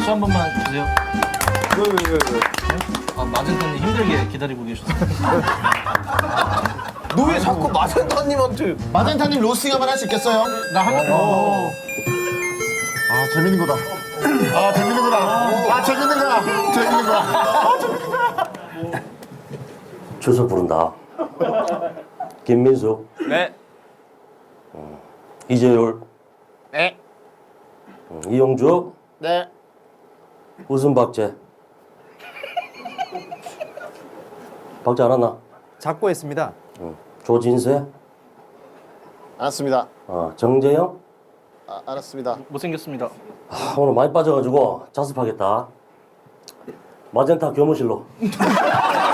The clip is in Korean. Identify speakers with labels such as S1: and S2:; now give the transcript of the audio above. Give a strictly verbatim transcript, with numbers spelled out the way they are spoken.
S1: 박수 한 번만 주세요.
S2: 왜, 왜, 왜, 왜?
S1: 아, 마젠타님 힘들게 기다리고 계셨어요.
S2: 너 왜 자꾸 마젠타님한테.
S3: 마젠타님 로스팅 한번 할 수 있겠어요?
S1: 나 한 번.
S3: 아 재밌는 거다. 아 재밌는 거다. 아 재밌는 거야. 재밌는 거야. 아 재밌는 거야.
S4: 주소 부른다. 김민숙,
S2: 네.
S4: 이재율,
S3: 네.
S4: 음, 이용주,
S3: 네.
S4: 웃음박재. 박재 알았나?
S5: 작고 했습니다.
S4: 응. 조진세,
S3: 알았습니다.
S4: 어, 정재영.
S3: 아, 알았습니다.
S1: 못생겼습니다.
S4: 아, 오늘 많이 빠져가지고 자습하겠다. 마젠타 교무실로.